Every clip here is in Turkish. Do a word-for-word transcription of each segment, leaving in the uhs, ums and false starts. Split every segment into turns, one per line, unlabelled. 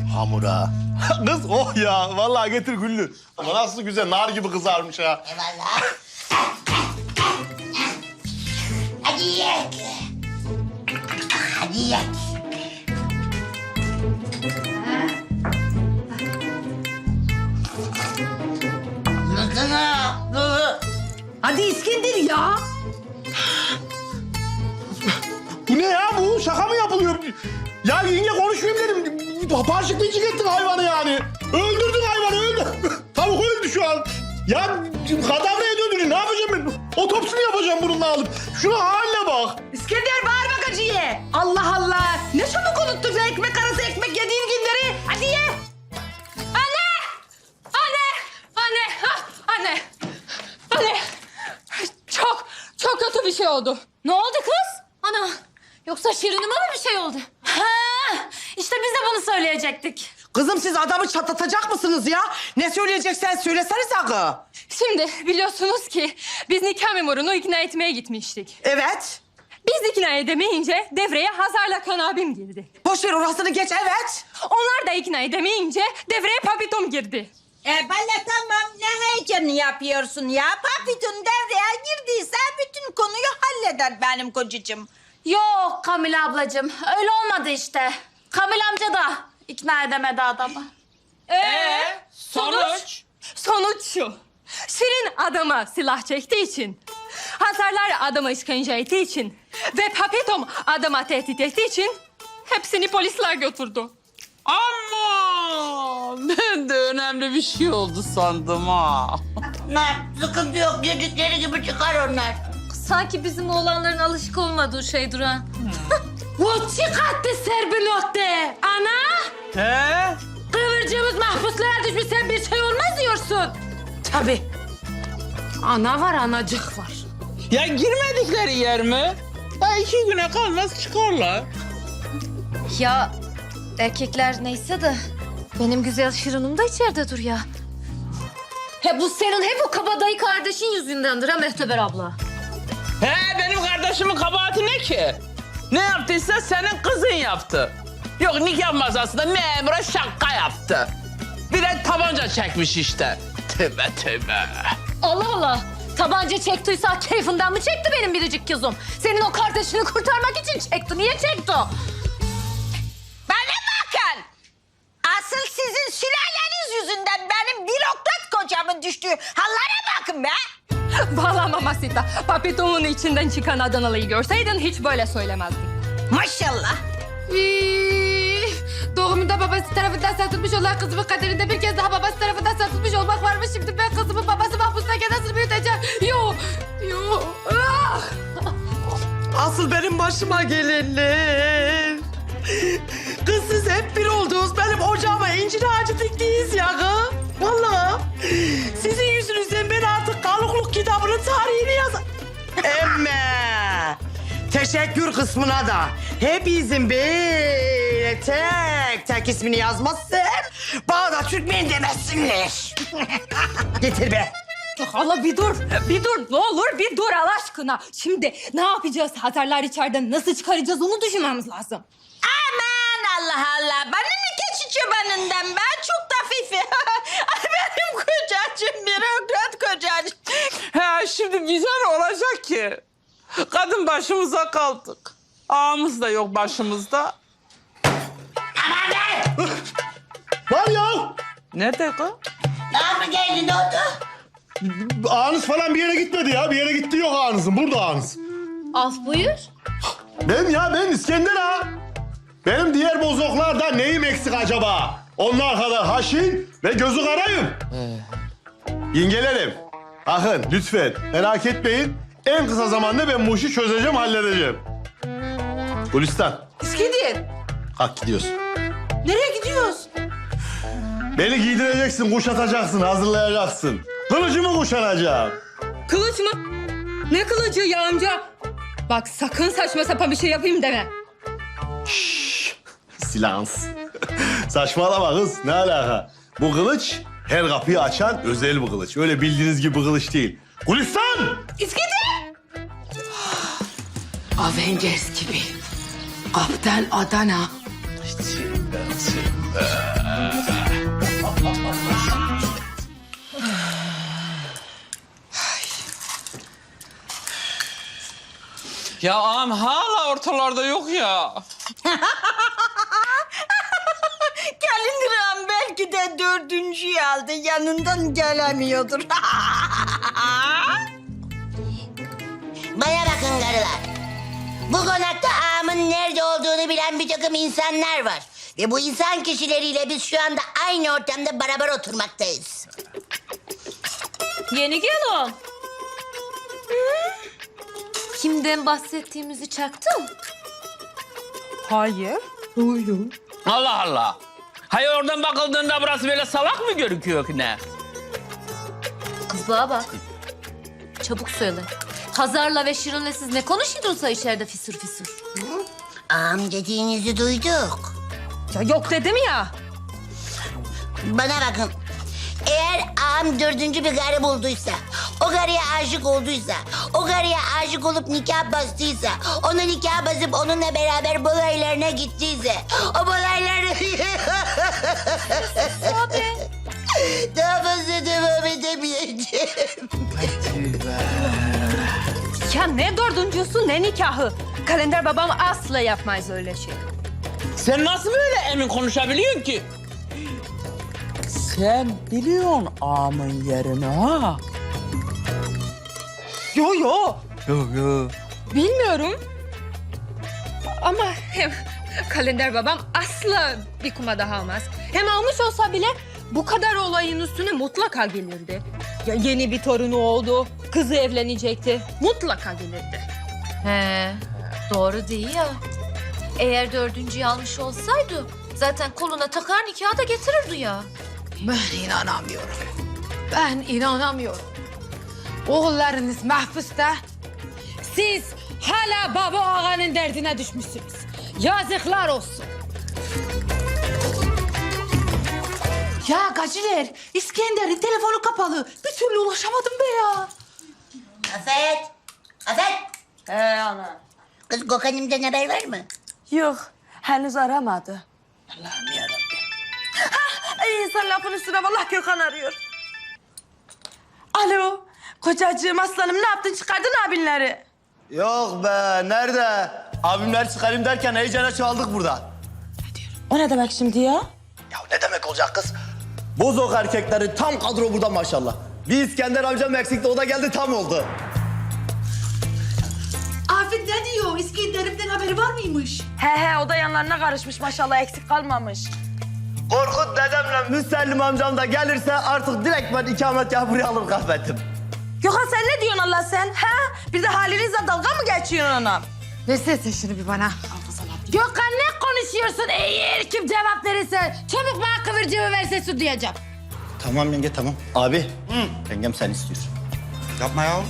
hamura. Kız oh ya vallahi getir Güllü. Ama nasıl güzel nar gibi kızarmış ha.
Eyvallah. Hadi yiyek. Hadi yiyek.
Hadi İskender ya.
Bu ne ya bu? Şaka mı yapılıyor? Ya yenge konuşmayayım dedim. Parçıklayıcı ettin hayvanı yani. Öldürdün hayvanı öldü. Tavuk öldü şu an. Ya kadavraya döndürün ne yapacağım ben? Otopsini yapacağım bununla alıp. Şuna haline bak.
İskender bağırma gacıya. Allah Allah. Ne çabuk unuttun sen ekmek arası ekmek yediğin günleri. Hadi ye.
Anne! Anne! Anne! Ah, anne! Anne! Çok, çok kötü bir şey oldu. Ne oldu kız? Ana! Yoksa Şirin'ime mi bir şey oldu? Ha! İşte biz de bunu söyleyecektik.
Kızım siz adamı çatlatacak mısınız ya? Ne söyleyeceksen söylesene sakın.
Şimdi biliyorsunuz ki biz nikah memurunu ikna etmeye gitmiştik.
Evet.
Biz ikna edemeyince devreye Hazar'la Kan abim girdi.
Boş ver orasını geç evet.
Onlar da ikna edemeyince devreye Papitom girdi.
E bana tamam ne heyecanı yapıyorsun ya? Papitun devreye girdiyse bütün konuyu halleder benim kocacığım.
Yok Kamil ablacığım öyle olmadı işte. Kamil amca da ikna edemedi adamı. Ee, sonuç? Sonuç şu. Şirin adama silah çektiği için, Hazarlar adama işkence ettiği için ve Papetom adama tehdit ettiği için hepsini polisler götürdü.
Ama ben de önemli bir şey oldu sandım ha.
Ne sıkıntı yok dedikleri gibi çıkar onlar.
Sanki bizim oğlanların alışık olmadığı şey Duran. Bu çıkarttı serbinotte. Ana!
He?
Kıvırcığımız mahpuslara düşmüş sen bir şey olmaz diyorsun.
Tabii.
Ana var anacık var.
Ya girmedikleri yer mi? Ha iki güne kalmaz çıkarlar.
Ya erkekler neyse de benim güzel Şirin'im de içeride dur ya. He bu senin hep o kabadayı kardeşin yüzündendir ha Mehteber abla.
He benim kardeşimin kabahati ne ki? Ne yaptıysa senin kızın yaptı. Yok nikah masasında memura şaka yaptı. Bir de tabanca çekmiş işte. Tövbe tövbe.
Allah Allah. Tabanca çektiyse keyfinden mi çekti benim biricik kızım? Senin o kardeşini kurtarmak için çekti. Niye çekti o?
Bana bakın. Asıl sizin sülaleniz yüzünden benim bürokrat kocamın düştüğü hallere bakın be.
Valla Mamasita, Papitom'un içinden çıkan Adanalı'yı görseydin hiç böyle söylemezdin.
Maşallah.
Üy, doğumunda babası tarafından satılmış olan kızımın kaderinde bir kez daha babası tarafından satılmış olmak varmış. Şimdi ben kızımın babası mahpustayken nasıl büyüteceğim? Yo, yo. Ah!
Asıl benim başıma gelenler. Kız siz hep bir oldunuz. Benim ocağıma incir ağacı diktiyiz ya kız. Vallahi. Sizin yüzünüzden ben artık kalıklık kitabının tarihini yazarım. Emme. Teşekkür kısmına da hepinizin böyle tek tek ismini yazmazsam bana da Türkmen demesinler. Getir be.
Allah bir dur, bir dur. Ne olur bir dur Allah aşkına. Şimdi ne yapacağız? Hazarlar içeriden nasıl çıkaracağız onu düşünmemiz lazım.
Aman Allah Allah. Bana ne keçi çobanından ben çok da fifi. Ay benim kocacığım bürokrat kocacığım.
He şimdi bize ne olacak ki? Kadın başımıza kaldık. Ağamız da yok başımızda.
Aman be.
Var ya.
Nerede kız?
Daha mı geldi ne oldu?
Ağınız falan bir yere gitmedi ya. Bir yere gitti yok ağınızın. Burada ağınız.
Af buyur.
Ben ya ben İskender ha. Benim diğer bozoklardan neyim eksik acaba? Onlar kadar haşin ve gözü karayım. Yengelerim, bakın lütfen merak etmeyin. En kısa zamanda ben bu işi çözeceğim, halledeceğim. Gülistan,
İskender.
kalk gidiyoruz.
Nereye gidiyoruz?
Beni giydireceksin, kuşatacaksın, hazırlayacaksın. Kılıcımı kuşanacağım.
Kılıç mı? Ne kılıcı ya amca? Bak sakın saçma sapan bir şey yapayım deme.
Silans. Saçmalama kız, ne alaka? Bu kılıç her kapıyı açan özel bir kılıç. Öyle bildiğiniz gibi bir kılıç değil. Gülistan!
İskender. Avengers gibi. Kaptan Adana.
İçinden çıktı.
Ya ağam hala ortalarda yok ya.
Kalindiram belki de dördüncüyü aldı. Yanından gelemiyordur.
Bana bakın karılar. Bu konakta ağamın nerede olduğunu bilen bir takım insanlar var. Ve bu insan kişileriyle biz şu anda aynı ortamda beraber oturmaktayız.
Yeni gelin. Kimden bahsettiğimizi çaktın?
Hayır.
Allah Allah. Hayır oradan bakıldığında burası böyle salak mı gözüküyor ki ne?
Kız bana bak. Çabuk söyle. Hazar'la ve Şirin'le siz ne konuşuyordunuz içeride fisur fisur?
Ağam dediğinizi duyduk.
Ya yok dedim ya.
Bana bakın. Eğer ağam dördüncü bir karı bulduysa, o karıya aşık olduysa, o karıya aşık olup nikah bastıysa, onu nikah basıp onunla beraber balaylarına gittiyse, o balayları...
Abi.
Daha fazla devam edemeyeceğim.
Ya ne dördüncüsü ne nikahı. Kalender babam asla yapmaz öyle şey.
Sen nasıl böyle emin konuşabiliyorsun ki? Sen biliyorsun ağamın yerini ha?
Yo yo.
Yok yok.
Bilmiyorum. Ama hem kalender babam asla bir kuma daha almaz. Hem almış olsa bile bu kadar olayın üstüne mutlaka gelirdi. Ya yeni bir torunu oldu, kızı evlenecekti. Mutlaka gelirdi.
He, doğru değil ya. Eğer dördüncüyü almış olsaydı zaten koluna takar nikahı da getirirdi ya.
Ben inanamıyorum. Ben inanamıyorum. Oğullarınız mahpusta. Siz hala baba ağanın derdine düşmüşsünüz. Yazıklar olsun. Ya Gaciler, İskender'in telefonu kapalı. Bir türlü ulaşamadım be ya.
Afet! Afet!
He ana.
Kız Gökhan'ımdan haber var mı?
Yok, henüz aramadı.
Allah'ım yarabbim.
Ay sen lafın üstüne vallahi Gökhan arıyor. Alo, kocacığım aslanım ne yaptın çıkardın abinleri?
Yok be nerede? Abimler çıkarayım derken heyecana çaldık burada.
O ne demek şimdi ya?
Ya ne demek olacak kız? Bozok erkekleri tam kadro burada maşallah. Bir İskender amcam eksikti o da geldi tam oldu.
Afet ne diyor? İskender'imden haberi var mıymış?
He he o da yanlarına karışmış maşallah eksik kalmamış.
Korkut dedemle Müsellim amcam da gelirse artık direkt ben ikametgahı buraya alır kahvettim.
Gökhan sen ne diyorsun Allah sen? Ha? Bir de halinizle dalga mı geçiyorsun anam?
Versene şunu bir bana. Gökhan ne konuşuyorsun? Eğer kim cevap verirse çabuk bana kıvırcığı verse su diyeceğim.
Tamam yenge tamam. Abi yengem sen istiyor.
Yapma ya.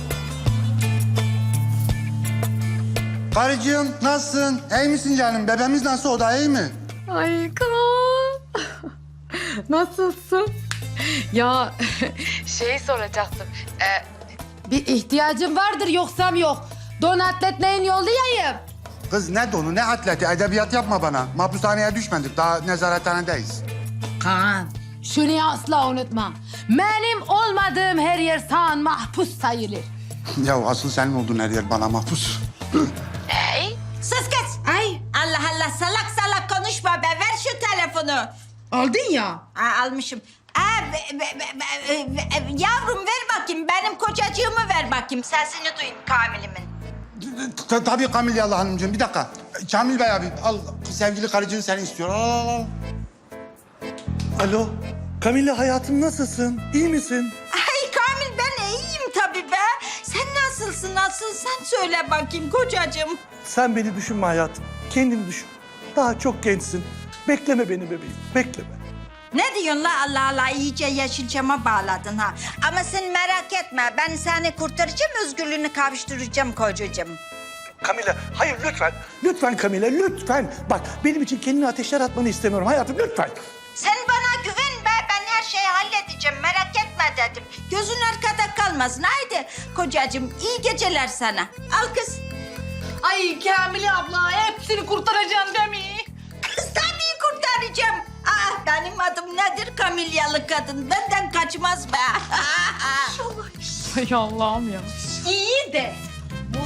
Karıcığım nasılsın? İyi misin canım? Bebeğimiz nasıl? O da iyi mi?
Ay Kaan. Nasılsın? Ya şey soracaktım. Ee, bir ihtiyacın vardır yoksam yok. Don atletleyin yollayayım.
Kız ne donu ne atleti edebiyat yapma bana. Mahpushaneye düşmedik daha nezarethanedeyiz.
Kaan şunu asla unutma. Benim olmadığım her yer sağın mahpus sayılır.
Ya asıl senin olduğun her yer bana mahpus.
Sus kız.
Ay
Allah Allah salak salak konuşma be. Ver şu telefonu.
aldın ya.
Aa, almışım. Aa, be- be- be- be- be- yavrum ver bakayım. Benim kocacığımı ver bakayım. Sesini duyayım Kamil'imin.
Ta- Tabii Kamil Hanımcığım bir dakika. Kamil Bey abi al sevgili karıcığın seni istiyor. Al al al.
Alo Kamilla hayatım nasılsın? İyi misin?
Ay Kamil ben iyiyim tabii be. Sen nasılsın nasıl sen söyle bakayım kocacığım.
Sen beni düşünme hayatım. Kendini düşün. Daha çok gençsin. Bekleme beni bebeğim. Bekleme.
Ne diyorsun la Allah Allah iyice Yeşilçam'a bağladın ha. Ama sen merak etme ben seni kurtaracağım özgürlüğünü kavuşturacağım kocacığım.
Kamila, hayır lütfen. Lütfen Kamila, lütfen. Bak benim için kendini ateşler atmanı istemiyorum hayatım lütfen.
Sen bana güven be ben her şeyi halledeceğim merak etme dedim. Gözün arkada kalmasın haydi kocacığım iyi geceler sana. Al kız.
Ay Kamile abla hepsini kurtaracaksın değil mi?
Kız tabii kurtaracağım. Aa, benim adım nedir Kamilyalı kadın benden kaçmaz be.
Ay Allah'ım ya.
İyi de bu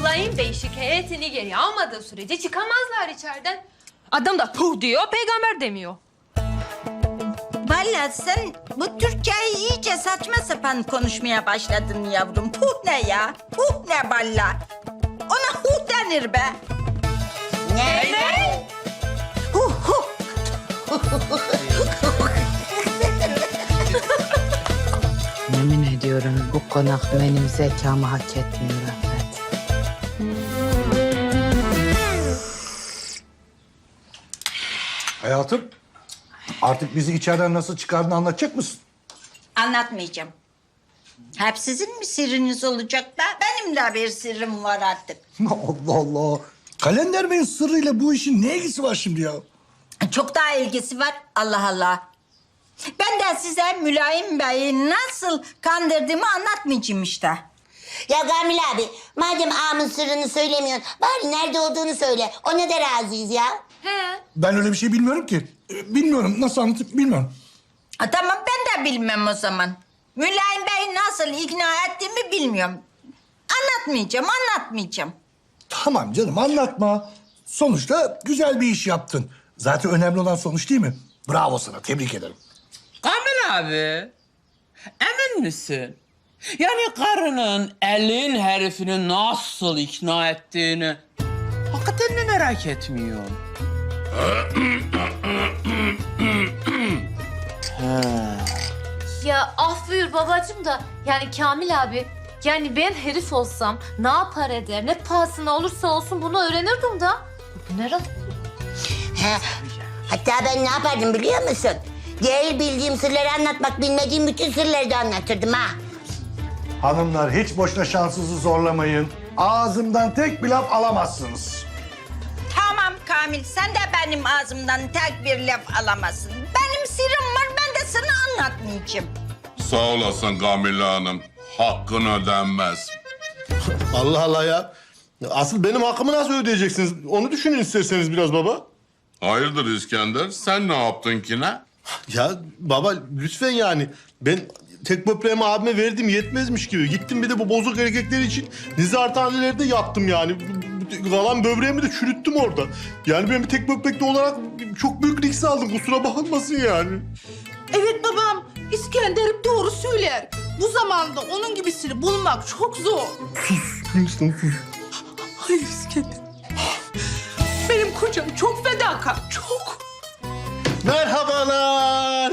Mülayim Bey şikayetini geri almadığı sürece çıkamazlar içeriden. Adam da puh diyor, peygamber demiyor.
Vallahi sen bu Türkçeyi iyice saçma sapan konuşmaya başladın yavrum. Puh ne ya? Puh ne valla? Ona huh denir be.
Ne?
Ne? Huh huh.
Yemin ediyorum bu konak benim zekamı hak etmiyor Afet.
Hayatım, artık bizi içeriden nasıl çıkardığını anlatacak mısın?
Anlatmayacağım. Hep sizin mi sırrınız olacak da? Benim de bir sırrım var artık.
Allah Allah. Kalender Bey'in sırrıyla bu işin ne ilgisi var şimdi ya?
Çok daha ilgisi var. Allah Allah. Ben de size Mülayim Bey'i nasıl kandırdığımı anlatmayacağım işte.
Ya Kamil abi, madem ağamın sırrını söylemiyorsun, bari nerede olduğunu söyle. Ona da razıyız ya.
He.
Ben öyle bir şey bilmiyorum ki. Ee, Bilmiyorum, nasıl anlatıp bilmiyorum.
Ha, tamam ben de bilmem o zaman. Mülayim Bey'i nasıl ikna ettiğimi bilmiyorum. Anlatmayacağım, anlatmayacağım.
Tamam canım, anlatma. Sonuçta güzel bir iş yaptın. Zaten önemli olan sonuç değil mi? Bravo sana, tebrik ederim.
Kamil abi, emin misin? Yani karının elin herifini nasıl ikna ettiğini hakikaten mi merak etmiyorsun?
Ya af buyur babacığım da yani Kamil abi yani ben herif olsam ne yapar eder ne pahasına olursa olsun bunu öğrenirdim da. Bu ne rahat.
He. Hatta ben ne yapardım biliyor musun? Değil bildiğim sırları anlatmak, bilmediğim bütün sırları da anlatırdım ha.
Hanımlar, hiç boşuna şansınızı zorlamayın. Ağzımdan tek bir laf alamazsınız.
Tamam Kamil, sen de benim ağzımdan tek bir laf alamazsın. Benim sırrım var, ben de sana anlatmayacağım.
Sağ olasın Kamile Hanım. Hakkın ödenmez.
Allah Allah ya. Asıl benim hakkımı nasıl ödeyeceksiniz? Onu düşünün isterseniz biraz baba.
Hayırdır İskender? Sen ne yaptın ki ne?
Ya baba lütfen yani. Ben tek böbreğimi abime verdim yetmezmiş gibi. Gittim bir de bu bozuk erkekler için nizarhanelerde yattım yani. Kalan böbreğimi de çürüttüm orada. Yani ben bir tek böbrekli olarak çok büyük risk aldım. Kusura bakmasın yani.
Evet babam, İskender'im doğru söyler. Bu zamanda onun gibisini bulmak çok zor.
Hindistan sus.
Hayır İskender. Benim kocam çok fedakar, çok.
Merhabalar.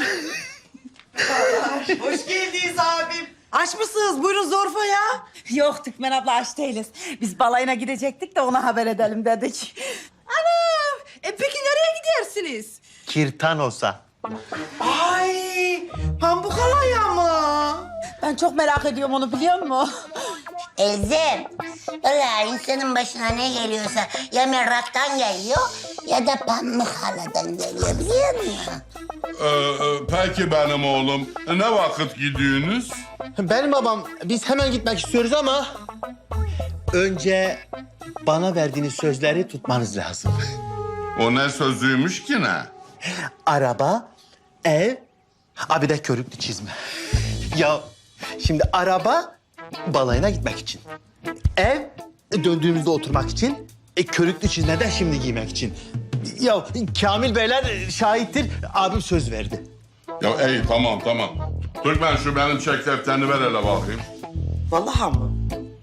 Hoş geldiniz abim. Aç mısınız? Buyurun Zorfa ya.
Yok Türkmen abla aç değiliz. Biz balayına gidecektik de ona haber edelim dedik.
Anam, e peki nereye gidersiniz?
Kirtanos'a.
Ay, pamuk alaya mı?
Ben çok merak ediyorum onu biliyor musun?
Elzem, vallahi insanın başına ne geliyorsa ya meraktan geliyor ya da pamuk haladan geliyor, biliyor musun?
Ee, e, peki benim oğlum. Ne vakit gidiyorsunuz?
Benim babam biz hemen gitmek istiyoruz ama önce bana verdiğiniz sözleri tutmanız lazım.
O ne sözüymüş ki ne?
Araba, ev, abi de körüklü çizme. Ya şimdi araba balayına gitmek için. Ev döndüğümüzde oturmak için. E, körüklü çizme de şimdi giymek için. Ya Kamil Beyler şahittir. Abim söz verdi.
Ya iyi tamam tamam. Türkmen şu benim çek defterini ver hele bakayım.
Vallahi mı?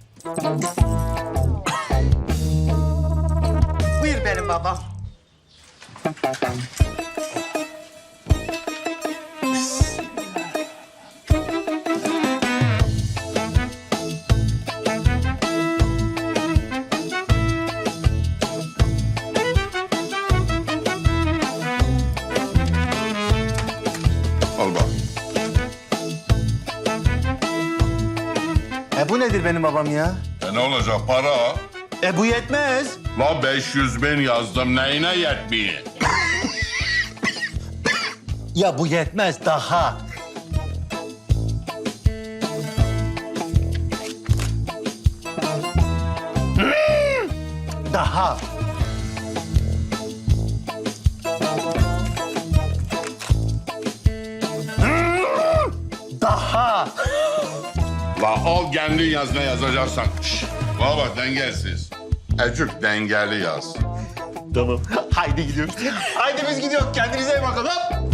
Buyur benim babam.
Al bak.
E bu nedir benim babam ya?
E ne olacak para?
E bu yetmez.
La beş yüz bin yazdım neyine yetmiyor?
Ya bu yetmez daha. Daha. Daha.
La al kendin yaz ne yazacaksan. Şş, Bana bak dengesiz. Ecük dengeli yaz.
Tamam. Haydi gidiyoruz. Haydi biz gidiyoruz. Kendinize iyi bakın. Hop.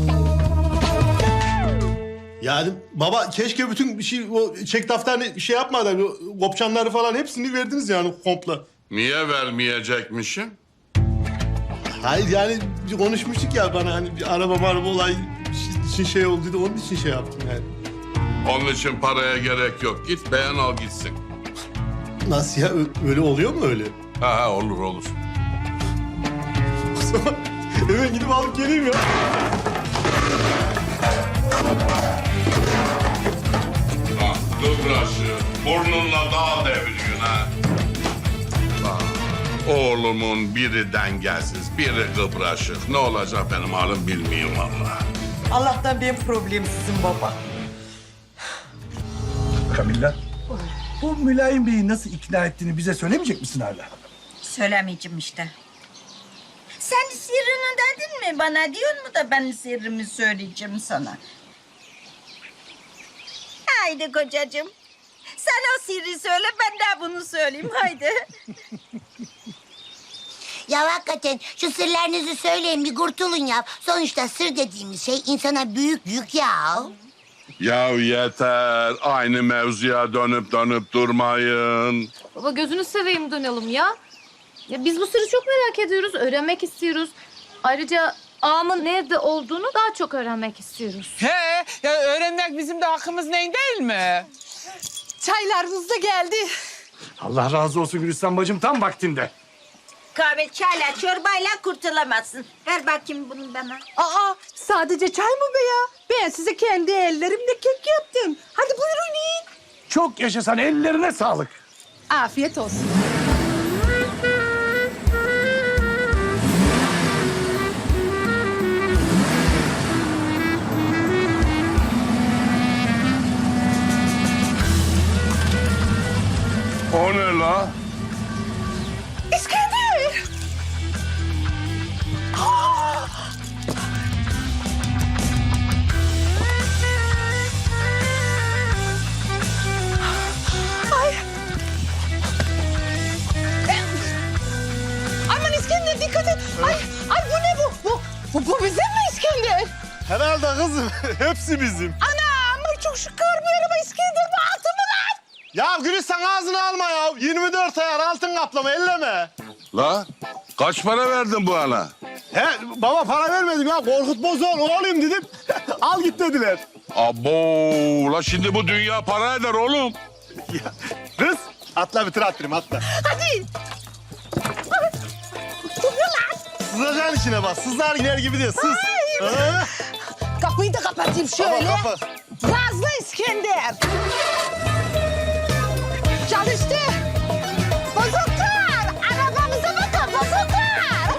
Yani baba keşke bütün bir şey o çek defterini şey yapmadan o kopçanları falan hepsini verdiniz yani komple.
Niye vermeyecekmişim?
Hayır yani bir konuşmuştuk ya bana hani bir araba maraba olay için şey olduydu onun için şey yaptım yani.
Onun için paraya gerek yok. Git beğen al gitsin.
Nasıl ya Ö- öyle oluyor mu öyle?
Ha ha olur olur.
O zaman hemen gidip alıp geleyim ya.
Bak kıbraşı burnunla dağ deviriyorsun ha. Bak, oğlumun biri dengesiz, biri kıbraşık. Ne olacak benim halim bilmiyorum vallahi.
Allah'tan benim problemsizim baba.
Kamilla, bu Mülayim Bey'i nasıl ikna ettiğini bize söylemeyecek misin hala?
Söylemeyeceğim işte. Sen sırrını dedin mi bana diyor mu da ben sırrımı söyleyeceğim sana. Haydi kocacığım. Sen o sırrı söyle ben de bunu söyleyeyim haydi.
Ya hakikaten şu sırlarınızı söyleyin bir kurtulun ya. Sonuçta sır dediğimiz şey insana büyük yük ya.
Ya yeter. Aynı mevzuya dönüp dönüp durmayın.
Baba gözünü seveyim dönelim ya. Ya biz bu sırrı çok merak ediyoruz, öğrenmek istiyoruz. Ayrıca ağamın nerede olduğunu daha çok öğrenmek istiyoruz.
He, ya öğrenmek bizim de hakkımız neyin değil mi?
Çaylarımız da geldi.
Allah razı olsun Gülistan bacım tam vaktinde.
Kahve çayla çorbayla kurtulamazsın. Ver bakayım bunu bana.
Aa, sadece çay mı be ya? Ben size kendi ellerimle kek yaptım. Hadi buyurun yiyin.
Çok yaşasan ellerine sağlık.
Afiyet olsun.
O ne la?
İskender! Ay! Aman İskender dikkat et! Ay, ay bu ne bu? Bu, bu, bu bizim mi İskender?
Herhalde kızım. Hepsi bizim.
Anam ay çok şükür araba İskender bu altın mı lan?
Ya Gülistan ağzını alma ya. yirmi dört ayar altın kaplama elleme.
La kaç para verdin bu ana?
He baba para vermedim ya. Korkut Bozoğlu olayım dedim. Al git dediler.
Abo la şimdi bu dünya para eder oğlum.
Ya, kız atla bir tır attırayım atla.
Hadi!
Sızacaksın içine bak. Sızlar iner gibi diye sız. Ha?
Kapıyı da kapatayım şöyle.
Kapat, kapat.
Nazlı İskender. Çalıştı. Bozuklar. Arabamıza bakın bozuklar.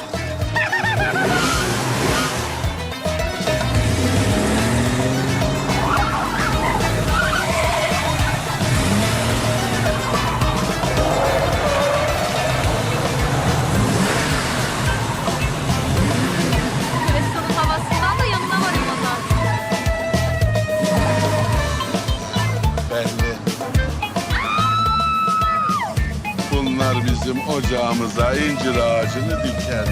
Gülistan'ın havasından da yanına varayım o zaman.
Belli. Bunlar bizim ocağımıza incir ağacını dikerler.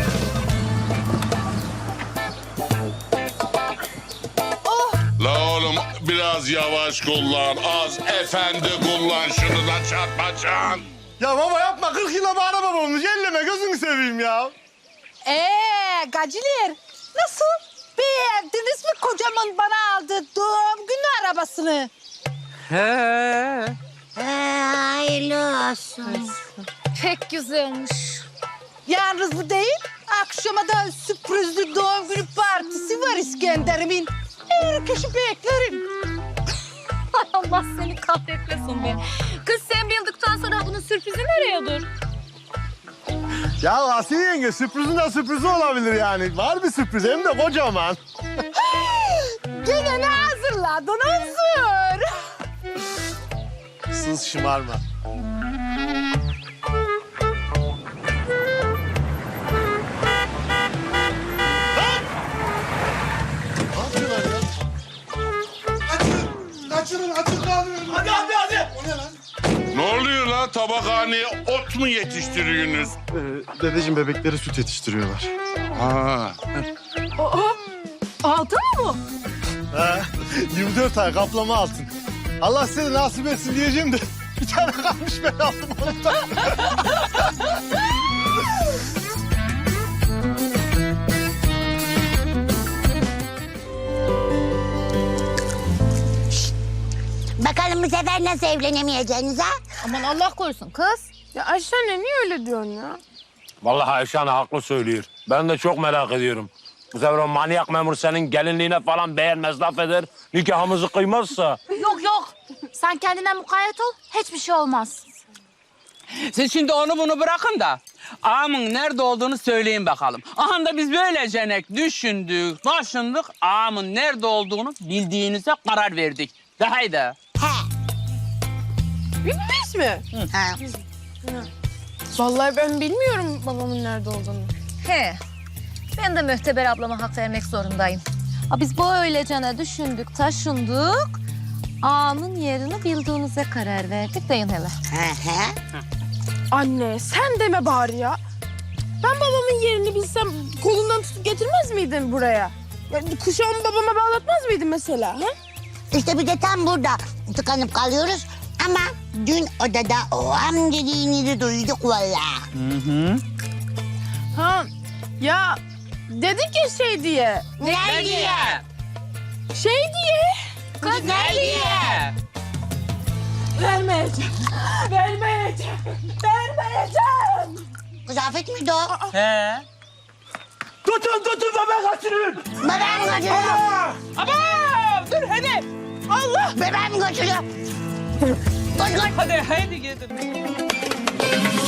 La oğlum biraz yavaş kullan, az efendi kullan şunu da çarpacaksın.
Ya baba yapma. kırk yıla bir araba olmuş. Elleme gözünü seveyim ya.
Ee, gaciler nasıl? Beğendiniz mi kocaman bana aldığı doğum günü arabasını?
He.
Ee, hayırlı olsun.
Pek güzelmiş.
Yalnız bu değil, akşama da sürprizli doğum günü partisi var İskender'imin. Herkesi beklerim.
Ay Allah seni kahretmesin be. Kız sen bildikten sonra bunun sürprizi nereye dur?
Ya Asiye yenge sürprizin de sürprizi olabilir yani. Var bir sürpriz hem de kocaman.
Gene ne hazırladın hazır?
Sız şımarma.
Kaçırın, kaçırın kaldırın.
Hadi hadi hadi.
O ne lan?
Ne oluyor la? Tabakhaneye ot mu yetiştiriyorsunuz?
Ee, dedeciğim bebekleri süt yetiştiriyorlar.
Ha.
Altın mı bu?
Ha, yirmi dört ay kaplama altın. Allah seni nasip etsin diyeceğim de bir tane kalmış ben aldım onu da.
Bakalım bu sefer nasıl evlenemeyeceğiniz ha?
Aman Allah korusun kız.
Ya Ayşe anne niye öyle diyorsun ya?
Vallahi Ayşe Hanım haklı söylüyor. Ben de çok merak ediyorum. Bu sefer o manyak memur senin gelinliğine falan beğenmez, laf eder. Nikahımızı kıymazsa.
Yok yok. Sen kendine mukayyet ol. Hiçbir şey olmaz.
Siz şimdi onu bunu bırakın da ağamın nerede olduğunu söyleyin bakalım. Aha da biz böylece düşündük, taşındık. Ağamın nerede olduğunu bildiğinize karar verdik. De haydi.
He.
Bilmiş mi?
Ha.
Vallahi ben bilmiyorum babamın nerede olduğunu.
He. Ben de Mühteber ablama hak vermek zorundayım. Ha, biz böylecene düşündük, taşındık. Ağamın yerini bildiğinize karar verdik deyin hele.
Hı hı.
Anne sen deme bari ya. Ben babamın yerini bilsem kolundan tutup getirmez miydim buraya? Ya, kuşağımı babama bağlatmaz mıydım mesela? Ha?
İşte bir de tam burada tıkanıp kalıyoruz. Ama dün odada o am dediğinizi duyduk vallahi.
Ha ya dedik ya şey diye.
Ne diye?
Şey diye.
Kız ne diye?
Vermeyeceğim. Vermeyeceğim. Vermeyeceğim.
Kız Afet miydi o?
He.
Tutun tutun bebek kaçırın.
Bebeğim götürüyor.
Ama dur hadi. Allah.
Bebeğim götürüyor. Koş koş.
Hadi haydi gidin.